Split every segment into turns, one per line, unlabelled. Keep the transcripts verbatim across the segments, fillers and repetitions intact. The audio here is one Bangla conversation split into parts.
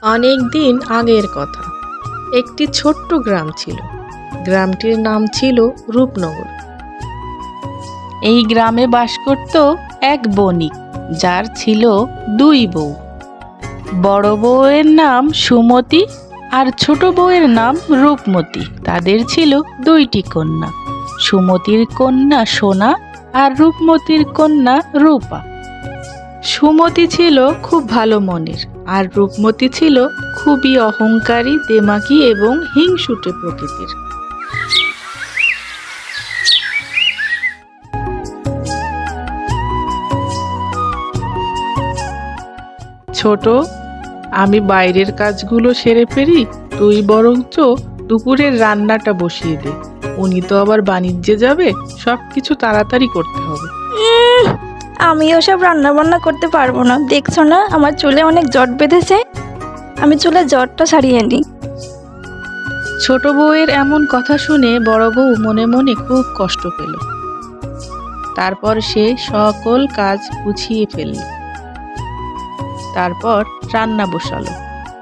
অনেক দিন আগের কথা। একটি ছোট্ট গ্রাম ছিল। গ্রামটির নাম ছিল রূপনগর। এই গ্রামে বাস করত এক বণিক, যার ছিল দুই বউ। বড় বউয়ের নাম সুমতি আর ছোট বউয়ের নাম রূপমতি। তাদের ছিল দুইটি কন্যা, সুমতির কন্যা সোনা আর রূপমতির কন্যা রূপা। সুমতি ছিল খুব ভালো মনের, আর রূপমতি ছিল খুবই অহংকারী, দেমাকি এবং হিংসুটে প্রকৃতির। ছোট, আমি বাইরের কাজগুলো সেরে ফেলি, তুই বরঞ্চ দুপুরের রান্নাটা বসিয়ে দে। উনি তো আবার বাণিজ্যে যাবে, সব কিছু তাড়াতাড়ি করতে হবে।
আমি ওসব রান্না বান্না করতে পারবো না। দেখছো না আমার চুলে অনেক জট বেঁধেছে, আমি চুলে জটটা সারিয়ে নিই।
ছোট বউয়ের এমন কথা শুনে বড় বউ মনে মনে খুব কষ্ট পেল। তারপর সে সকল কাজ গুছিয়ে ফেলল। তারপর রান্না বসালো।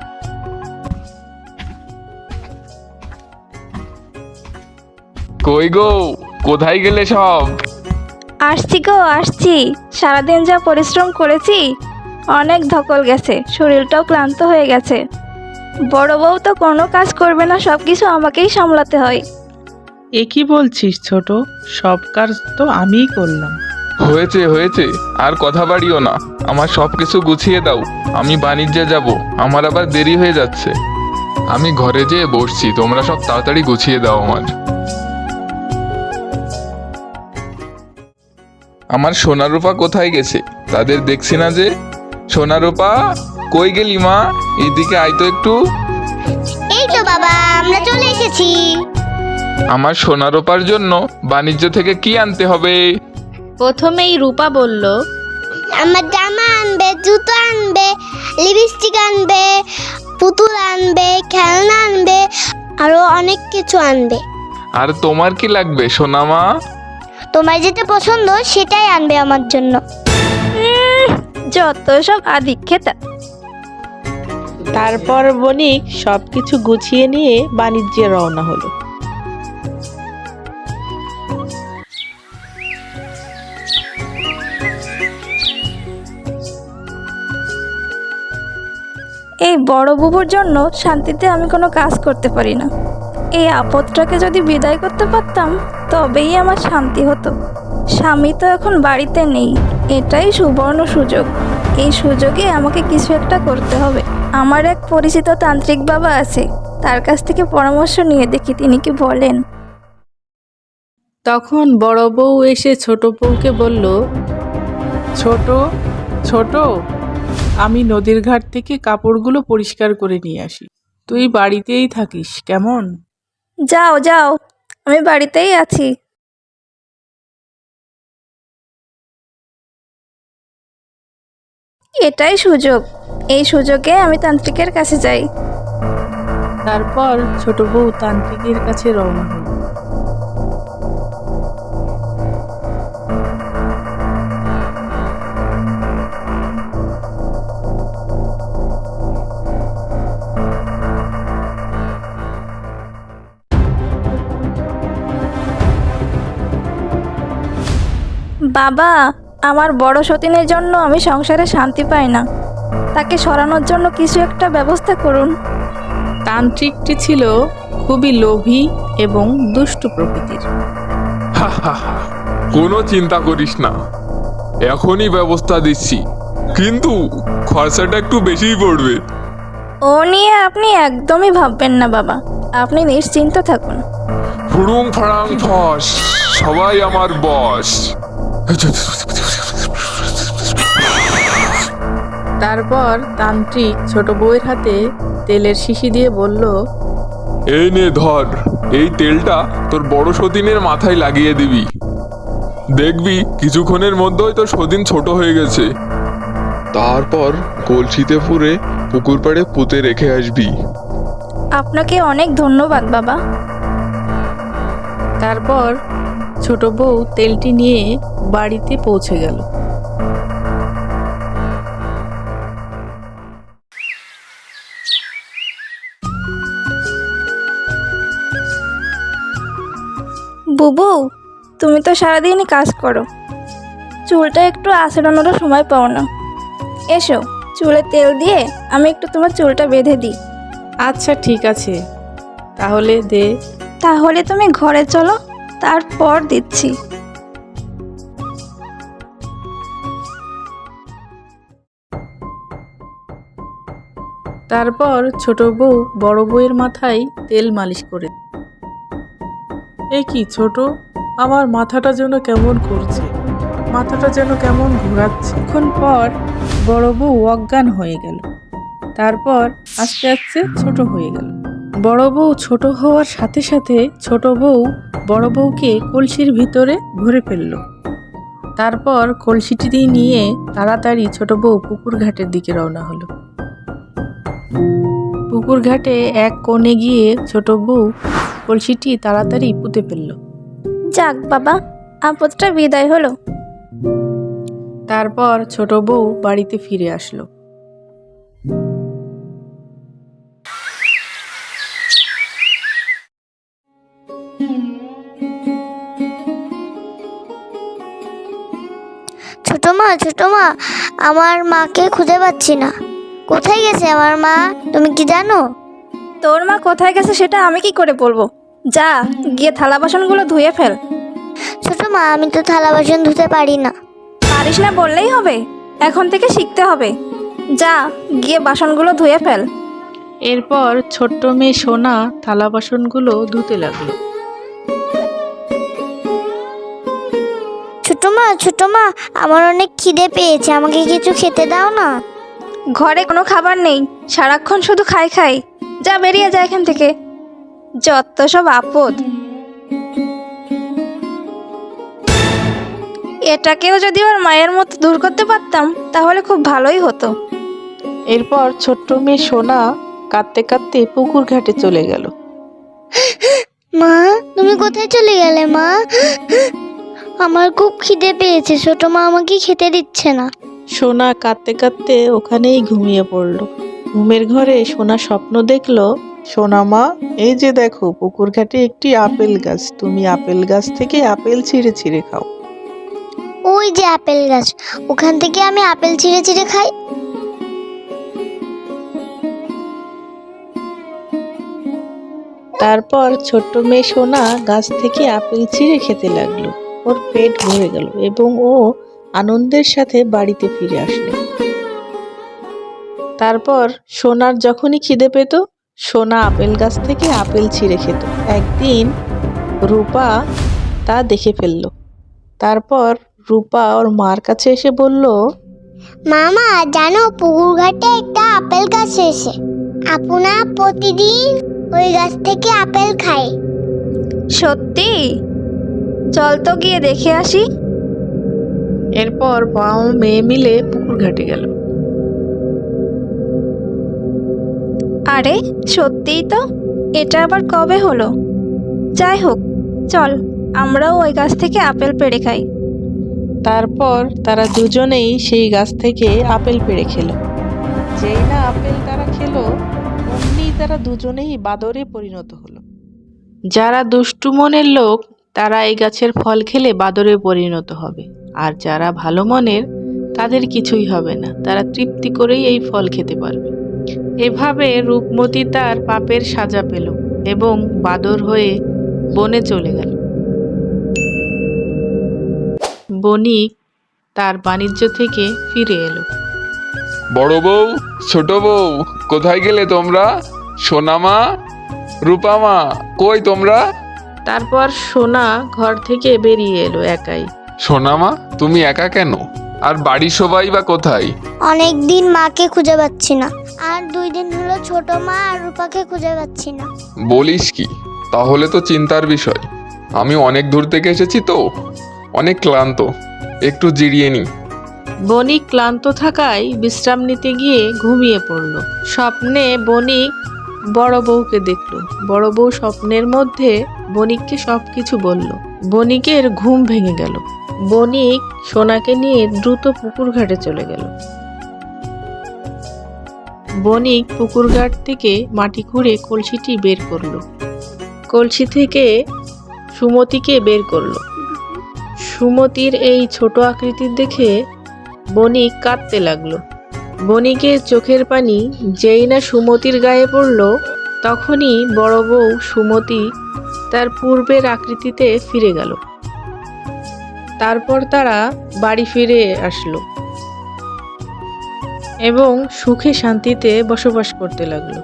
কই গো, কোথায় গেলে সব?
আসছি গো আসছি। সারাদিন যা পরিশ্রম করেছি, অনেক ধকল গেছে, শরীরটাও ক্লান্ত হয়ে গেছে। বড় বউ তো কোনো কাজ করবে না, সব কিছু আমাকেই সামলাতে হয়।
এ কি বলছিস ছোট? সব কাজ তো আমিই করলাম।
হয়েছে হয়েছে, আর কথা বাড়িও না। আমার সব কিছু গুছিয়ে দাও, আমি বাণিজ্যে যাব, আমার আবার দেরি হয়ে যাচ্ছে। আমি ঘরে যেয়ে বসছি, তোমরা সব তাড়াতাড়ি গুছিয়ে দাও আমার। আমার সোনা রূপা কোথায় গেছে? তাদের দেখছি না যে। সোনা রূপা, কই গেলি মা? এইদিকে আয় তো একটু।
এই তো বাবা, আমরা চলে এসেছি।
আমার সোনা রূপার জন্য বাণিজ্য থেকে কি আনতে হবে?
প্রথমেই রূপা বলল,
আমার জামা আনবে, জুতো আনবে, লিপস্টিক আনবে, পুতুল আনবে, খেলনা আনবে, আরো অনেক কিছু আনবে।
আর তোমার কি লাগবে সোনা মা?
তোমার যেটা পছন্দ সেটাই আনবে আমার জন্য।
উম, যত সব আদিক্ষেতা।
তারপর বণিক সবকিছু গুছিয়ে নিয়ে বাণিজ্যে রওনা হলো।
এই বড় বুবুর জন্য শান্তিতে আমি কোনো কাজ করতে পারি না। এই আপদটাকে যদি বিদায় করতে পারতাম, তবেই আমার শান্তি হতো। স্বামী তো এখন বাড়িতে নেই, এটাই সুবর্ণ সুযোগ। এই সুযোগে আমাকে কিছু একটা করতে হবে। আমার এক পরিচিত তান্ত্রিক বাবা আছে, তার কাছ থেকে পরামর্শ নিয়ে দেখি তিনি কি বলেন।
তখন বড় বউ এসে ছোট বউকে বলল, ছোট ছোট আমি নদীর ঘাট থেকে কাপড়গুলো পরিষ্কার করে নিয়ে আসি, তুই বাড়িতেই থাকিস কেমন?
যাও যাও, আমি বাড়িতেই আছি। এটাই সুযোগ, এই সুযোগে আমি তান্ত্রিকের কাছে যাই।
তারপর ছোট বউ তান্ত্রিকের কাছে রওনা হল।
বাবা, আমার বড় সতীনের জন্য আমি সংসারে শান্তি পাই না, তাকে সরানোর জন্য কিছু একটা ব্যবস্থা করুন।
তান্ত্রিকটি ছিল খুবই লোভী এবং দুষ্ট প্রকৃতির।
কোনো চিন্তা করিস না, এখনই ব্যবস্থা দিচ্ছি, কিন্তু খরচাটা একটু বেশিই পড়বে।
ও নিয়ে আপনি একদমই ভাববেন না বাবা, আপনি নিশ্চিন্ত থাকুন।
ফুড়ুং ফাড়াং ফস, সবাই আমার বস।
তারপর তান্ত্রিক ছোট বউয়ের হাতে তেলের শিশি দিয়ে বলল,
এই নে ধর, এই তেলটা তোর বড় সতীনের মাথায় লাগিয়ে দিবি। দেখবি কিছুক্ষণের মধ্যেই তোর সতীন ছোট হয়ে গেছে। তারপর কলসিতে পুরে পুকুর পাড়ে পুঁতে রেখে আসবি।
আপনাকে অনেক ধন্যবাদ বাবা।
তারপর ছোট বউ তেলটি নিয়ে বাড়িতে পৌঁছে গেল।
বুবু, তুমি তো সারাদিনই কাজ করো, চুলটা একটু আঁচড়ানোরও সময় পাও না। এসো, চুলে তেল দিয়ে আমি একটু তোমার চুলটা বেঁধে দিই।
আচ্ছা ঠিক আছে, তাহলে দে।
তাহলে তুমি ঘরে চলো, তারপর দিচ্ছি।
তারপর ছোট বউ বড় বউয়ের মাথায় তেল মালিশ করে। এ কি ছোট, আমার মাথাটা যেন কেমন করছে, মাথাটা যেন কেমন ঘোরাচ্ছে। কিছুক্ষণ পর বড় বউ অজ্ঞান হয়ে গেল। তারপর আস্তে আস্তে ছোট হয়ে গেল। বড় বউ ছোট হওয়ার সাথে সাথে ছোট বউ বড় বউকে কলসির ভিতরে ভরে ফেলল। তারপর কলসিটি নিয়ে তাড়াতাড়ি ছোট বউ পুকুর ঘাটের দিকে রওনা হলো। পুকুর ঘাটে এক কোণে গিয়ে ছোট বউ কলসিটি তাড়াতাড়ি পুঁতে ফেলল।
যাক বাবা, আপদটা বিদায় হলো।
তারপর ছোট বউ বাড়িতে ফিরে আসলো।
ছোট মা, ছোট মা, আমার মাকে খুঁজে পাচ্ছি না। কোথায় গেছে আমার মা, তুমি কি জানো?
তোর মা কোথায় গেছে সেটা আমি কি করে বলবো? যা গিয়ে থালা বাসনগুলো ধুয়ে ফেল।
ছোট মা, আমি তো থালা বাসন ধুতে পারি না।
পারিস না বললেই হবে, এখন থেকে শিখতে হবে। যা গিয়ে বাসনগুলো ধুয়ে ফেল।
এরপর ছোট্ট মেয়ে সোনা থালা বাসনগুলো ধুতে লাগলো।
ছোট মা, ছোট মা, আমার অনেক খিদে পেয়েছে, আমাকে কিছু খেতে দাও না।
ঘরে কোনো খাবার নেই, সারাক্ষণ শুধু খাই খাই। যা বেরিয়ে যা এখান থেকে, যত সব আপদ। এটাকেও যদি ওর মায়ের মতো দূর করতে পারতাম তাহলে খুব ভালোই হতো।
এরপর ছোট্ট মেয়ে সোনা কাঁদতে কাঁদতে পুকুর ঘাটে চলে গেল।
মা, তুমি কোথায় চলে গেলে মা? আমার খুব খিদে পেয়েছে, ছোট মা আমাকে খেতে দিচ্ছে না।
সোনা কাঁদতে কাঁদতে ওখানেই ঘুমিয়ে পড়ল। ঘুমের ঘরে সোনা স্বপ্ন দেখলো, সোনা মা, এই যে দেখো পুকুর ঘাটে একটি আপেল গাছ, তুমি আপেল গাছ থেকে আপেল ছিঁড়ে ছিঁড়ে খাও।
ওই যে আপেল গাছ, ওখান থেকে আমি আপেল ছিঁড়ে ছিঁড়ে খাই।
তারপর ছোট্ট মেয়ে সোনা গাছ থেকে আপেল ছিঁড়ে খেতে লাগলো। ওর পেট ভরে গেল এবং ও আনন্দের সাথে বাড়িতে ফিরে আসলো। তারপর সোনার যখনই খিদে পেত, সোনা আপেল গাছ থেকে আপেল ছিঁড়ে খেত। একদিন রূপা তা দেখে ফেলল। তারপর রূপা ওর মার কাছে এসে বলল,
মামা জানো, পুকুর ঘাটে একটা আপেল গাছ এসে আপনা প্রতিদিন ওই গাছ থেকে আপেল খায়।
সত্যি? চল তো গিয়ে দেখে আসি।
এরপর মা ও মেয়ে মিলে পুকুর ঘাটে গেল।
আরে সত্যিই তো, এটা আবার কবে হলো? যাই হোক, চল আমরাও ওই গাছ থেকে আপেল পেড়ে খাই।
তারপর তারা দুজনেই সেই গাছ থেকে আপেল পেড়ে খেলো। যেই না আপেল তারা খেলো, অমনি তারা দুজনেই বাদরে পরিণত হলো। যারা দুষ্টু মনের লোক তারা এই গাছের ফল খেলে বাদরে পরিণত হবে, আর যারা ভালো মনের তাদের কিছুই হবে না, তারা তৃপ্তি করেই এই ফল খেতে পারবে। এভাবে রূপমতী তার পাপের সাজা পেল এবং বাদর হয়ে বনে চলে গেল। বণিক তার বাণিজ্য থেকে ফিরে এলো।
বড় বউ, ছোট বউ, কোথায় গেলে তোমরা? সোনামা, রূপামা, কই তোমরা?
তারপর সোনা ঘর থেকে বেরিয়ে এলো একাই।
সোনামা, তুমি একা কেন? আর বাড়ির সবাই বা কোথায়?
অনেক দিন মাকে খুঁজে পাচ্ছি না, আর দুই দিন হলো ছোট মা আর রূপাকে খুঁজে পাচ্ছি না।
বলিস কি? তাহলে তো চিন্তার বিষয়। আমি অনেক দূর থেকে এসেছি তো, অনেক ক্লান্ত, একটু জিরিয়ে নি।
বণিক ক্লান্ত থাকায় বিশ্রাম নিতে গিয়ে ঘুমিয়ে পড়ল। স্বপ্নে বণিক বড় বউকে দেখল। বড় বউ স্বপ্নের মধ্যে বণিককে সবকিছু বলল। বণিকের ঘুম ভেঙে গেল। বণিক সোনাকে নিয়ে দ্রুত পুকুর ঘাটে চলে গেল। বণিক পুকুর ঘাট থেকে মাটি খুঁড়ে কলসিটি বের করলো। কলসি থেকে সুমতিকে বের করলো। সুমতির এই ছোট আকৃতির দেখে বণিক কাঁদতে লাগলো। বণিকের চোখের পানি যেই না সুমতির গায়ে পড়ল, তখনই বড় বউ সুমতি তার পূর্বের আকৃতিতে ফিরে গেল। তারপর তারা বাড়ি ফিরে আসলো এবং সুখে শান্তিতে বসবাস করতে লাগলো।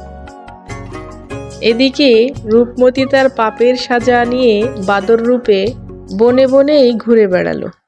এদিকে রূপমতি তার পাপের সাজা নিয়ে বাদর রূপে বনে বনেই ঘুরে বেড়ালো।